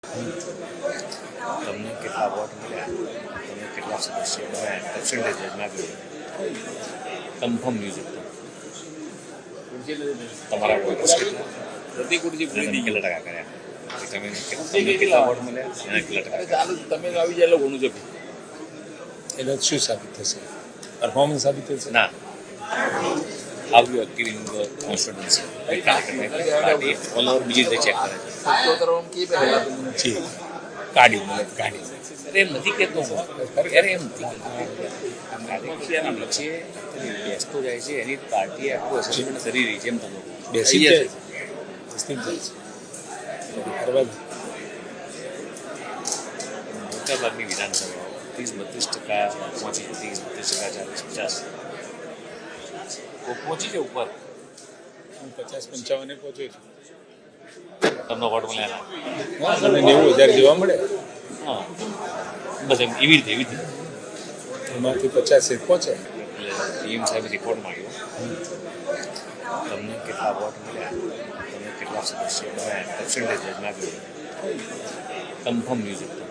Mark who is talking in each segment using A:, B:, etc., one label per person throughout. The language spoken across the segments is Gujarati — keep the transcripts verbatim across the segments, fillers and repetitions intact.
A: તમને કેટલા વોટ મળ્યા, તમે કેટલા સદસ્યો બનાવ્યા, પર્સન્ટેજ માગ્યું, કન્ફર્મ ન્યૂઝ એકદમ તમારા વોટર્સ કેટલા તમે કેટલા ટકા કર્યા, તમે તમને કેટલા વોટ મળ્યા, એને કેટલા ટકા ચાલુ તમે આવી જાય ઘણું જપી
B: એટલે શું સાબિત થશે? પરફોર્મન્સ સાબિત થશે
A: ના. How you are giving the constituency? Right? Party all over બીજી રીતે ચેક કરે છે.
B: જી કાઢી મળે કાઢી
A: અરે એમ નથી કહેતો હું, અરે એમ નથી કાર્યકર્તાના વચ્ચે બેસતો જાય છે, એની પાર્ટી આખું અસેસમેન્ટ કરી રહી છે, એમ તમે
B: બેસી જાય બેસતી જ જાય છે કરવા
A: મોટાભાગની વિધાનસભાઓ ત્રીસ બત્રીસ ટકા પહોંચી ત્રીસ બત્રીસ ટકા ચાલીસ પચાસ પહોંચી છે ઉપર.
B: હું પચાસ પંચાવને પહોંચ્યો છું.
A: તમને વોટ મળ્યા
B: હા મને નેવું હજાર જેવા મળે.
A: હા બસ એમ એવી રીતે એવી રીતે
B: એમાંથી પચાસ એક પહોંચે.
A: એટલે પીએમ સાહેબે રિપોર્ટ માંગ્યો, તમને કેટલા વોટ મળ્યા, તમે કેટલા સદસ્યો બનાવ્યા, પર્સન્ટેજ માગ્યું, કન્ફર્મ ન્યૂઝ એકદમ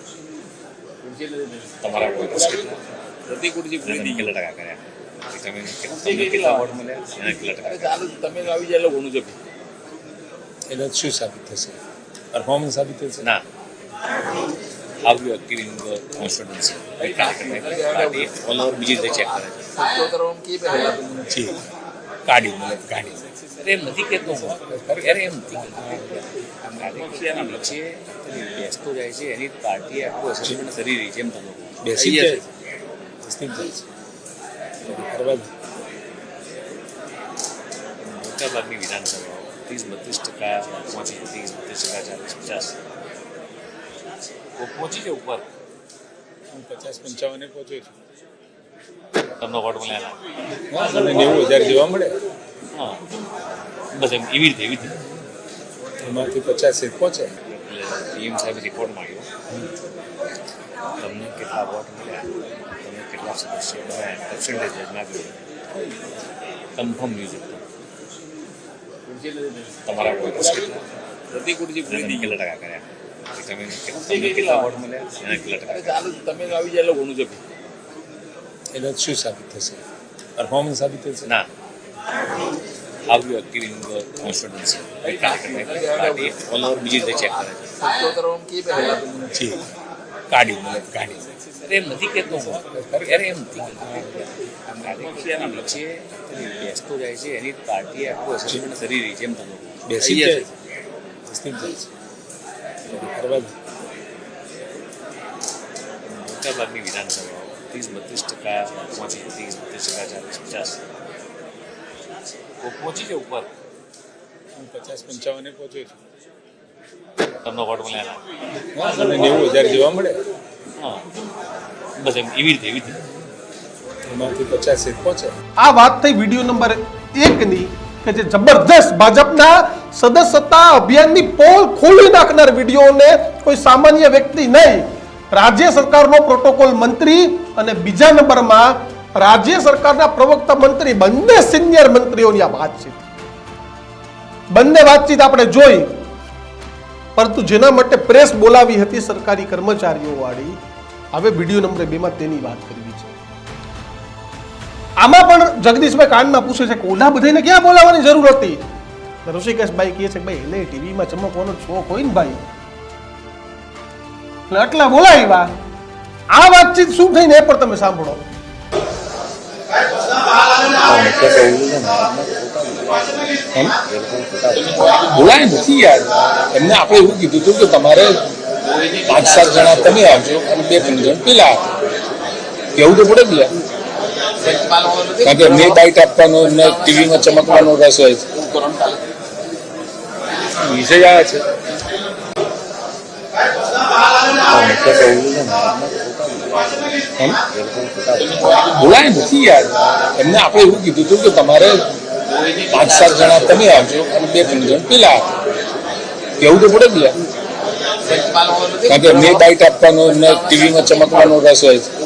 A: તમારા વોટર્સ કેટલા તમે કેટલા ટકા કર્યા, તમે તમને કેટલા વોટ મળ્યા, એને કેટલા ટકા ચાલુ તમે આવી જાય ઘણું જપી
B: એટલે શું સાબિત થશે? પરફોર્મન્સ સાબિત થશે
A: ના. How you are giving the constituency? Right? Party all over બીજી રીતે ચેક કરે છે.
B: જી કાઢી મળે કાઢી
A: અરે એમ નથી કહેતો હું, અરે એમ નથી કાર્યકર્તાના વચ્ચે બેસતો જાય છે, એની પાર્ટી આખું અસેસમેન્ટ કરી રહી છે, એમ તમે
B: બેસી જાય બેસતી જ જાય છે કરવા
A: મોટાભાગની વિધાનસભાઓ ત્રીસ બત્રીસ ટકા પહોંચી ત્રીસ બત્રીસ ટકા ચાલીસ પચાસ પહોંચી છે ઉપર.
B: હું પચાસ પંચાવને પહોંચ્યો છું.
A: તમને વોટ મળ્યા
B: હા મને નેવું હજાર જેવા મળે.
A: હા બસ એમ એવી રીતે એવી રીતે
B: એમાંથી પચાસ એક પહોંચે.
A: એટલે પીએમ સાહેબે રિપોર્ટ માંગ્યો, તમને કેટલા વોટ મળ્યા, તમે કેટલા સદસ્યો બનાવ્યા, પર્સન્ટેજ માગ્યું, કન્ફર્મ ન્યૂઝ એકદમ તમારા વોટર્સ કેટલા તમે કેટલા ટકા કર્યા, તમે તમને કેટલા વોટ મળ્યા, એને કેટલા ટકા ચાલુ તમે આવી જાય ઘણું જપી
B: એટલે શું સાબિત થશે? પરફોર્મન્સ સાબિત થશે
A: ના. How you are giving the constituency? Right? Party all over બીજી રીતે ચેક કરે છે.
B: જી કાઢી મળે કાઢી
A: અરે એમ નથી કહેતો હું, અરે એમ નથી કાર્યકર્તાના વચ્ચે બેસતો જાય છે, એની પાર્ટી આખું અસેસમેન્ટ કરી રહી છે, એમ તમે
B: બેસી જાય બેસતી જ જાય છે કરવા
A: મોટાભાગની વિધાનસભાઓ ત્રીસ બત્રીસ ટકા પહોંચી ત્રીસ બત્રીસ ટકા ચાલીસ પચાસ પહોંચી છે ઉપર.
B: હું પચાસ પંચાવને પહોંચ્યો છું.
A: તમને વોટ મળ્યા
B: હા મને નેવું હજાર જેવા મળે.
A: હા બસ એમ એવી રીતે એવી રીતે
B: એમાંથી પચાસ એક પહોંચે.
C: આ વાત થઈ વિડીયો નંબર એકની કે જે જબરદસ્ત ભાજપના સદસ્યતા અભિયાનની પોલ ખોલી નાખનાર વિડીયોને કોઈ સામાન્ય વ્યક્તિ નહીં, રાજ્ય સરકારનો પ્રોટોકોલ મંત્રી અને બીજા નંબરમાં રાજ્ય સરકારના પ્રવક્તા મંત્રી, બંને સિનિયર મંત્રીઓની આ વાતચીત બંને વાતચીત આપણે જોઈ. પરંતુ જેના માટે પ્રેસ બોલાવી હતી સરકારી કર્મચારીઓ વાળી, હવે વિડીયો નંબર બે માં તેની વાત કરવી છે. આમાં પણ જગદીશભાઈ કાનમાં પૂછે છે કે ઓલા બધાને ક્યાં બોલાવવાની જરૂર હતી? ઋષિકેશભાઈ કહે છે કે ભાઈ એને ટીવીમાં ચમકવાનો શોખ હોય ને ભાઈ, એટલે આટલા બોલાવ્યા. આ વાતચીત શું થઈને એ પણ તમે સાંભળો.
B: બોલાય નથી યાર, એમને આપણે એવું કીધું હતું કે તમારે પાંચ સાત જણા તમે આવજો અને બે ત્રણ જણ પેલા કેવું તો પડે જ લે, કારણ કે એમને બાઇટ આપવાનો, એમને ટીવીમાં ચમકવાનો રસ હોય છે. વિષય આ છે બોલાય નથી યાર, એમને આપણે એવું કીધું હતું કે તમારે પાંચ સાત જણા તમે આવજો અને બે ત્રણ જણ પેલા કેવું તો પડે જ લે, કારણ કે એમને બાઇટ આપવાનો, એમને ટીવીમાં ચમકવાનો રસ હોય છે.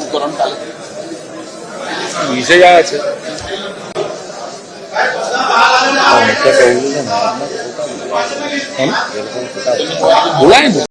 B: વિષય આ છે બોલાય ને